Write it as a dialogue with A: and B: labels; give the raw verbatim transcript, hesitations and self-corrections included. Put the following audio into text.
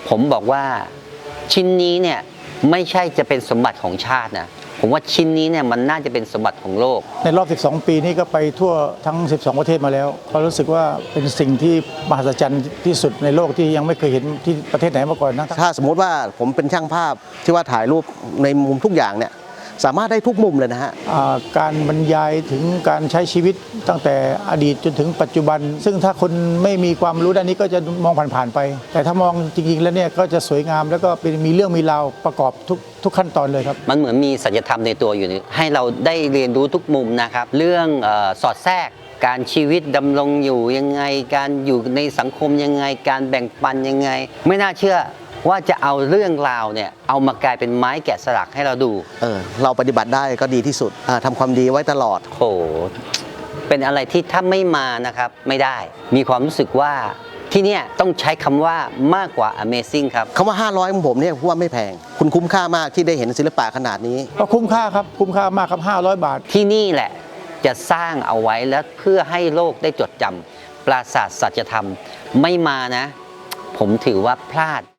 A: ผมบอกว่าชิ้นนี้เนี่ยไม่ใช่จะเป็นสมบัติของชาตินะผมว่าชิ้นนี้เนี่ยมันน่าจะเป็นสมบัติของโลก
B: ในรอบสิบสองปีนี้ก็ไปทั่วทั้งสิบสองประเทศมาแล้วก็รู้สึกว่าเป็นสิ่งที่มหัศจรรย์ที่สุดในโลกที่ยังไม่เคยเห็นที่ประเทศไหนมาก่อนนะ
C: ถ้าสมมติว่าผมเป็นช่างภาพที่ว่าถ่ายรูปในมุมทุกอย่างเนี่ยสามารถได้ทุกมุมเลยนะฮะ
B: การบรรยายถึงการใช้ชีวิตตั้งแต่อดีตจนถึงปัจจุบันซึ่งถ้าคนไม่มีความรู้ด้านนี้ก็จะมองผ่านๆไปแต่ถ้ามองจริงๆแล้วเนี่ยก็จะสวยงามแล้วก็เป็นมีเรื่องมีราวประกอบทุกทุกขั้นตอนเลยครับ
A: มันเหมือนมีสัจธรรมในตัวอยู่ให้เราได้เรียนรู้ทุกมุมนะครับเรื่องเอ่อสอดแทรกการชีวิตดำรงอยู่ยังไงการอยู่ในสังคมยังไงการแบ่งปันยังไงไม่น่าเชื่อว่าจะเอาเรื่องราวเนี่ยเอามากลายเป็นไม้แกะสลักให้เราดู
C: เออเราปฏิบัติได้ก็ดีที่สุดทำความดีไว้ตลอด
A: โหเป็นอะไรที่ถ้าไม่มานะครับไม่ได้มีความรู้สึกว่าที่นี่ต้องใช้คำว่ามากกว่า Amazing ครับ
C: คำว่าห้าร้อยของผมเนี่ยว่าไม่แพงคุณคุ้มค่ามากที่ได้เห็นศิลปะขนาดนี้
B: ก็คุ้มค่าครับคุ้มค่ามากครับห้าร้อยบาท
A: ที่นี่แหละจะสร้างเอาไว้แล้วเพื่อให้โลกได้จดจำปราสาทสัจธรรมไม่มานะผมถือว่าพลาด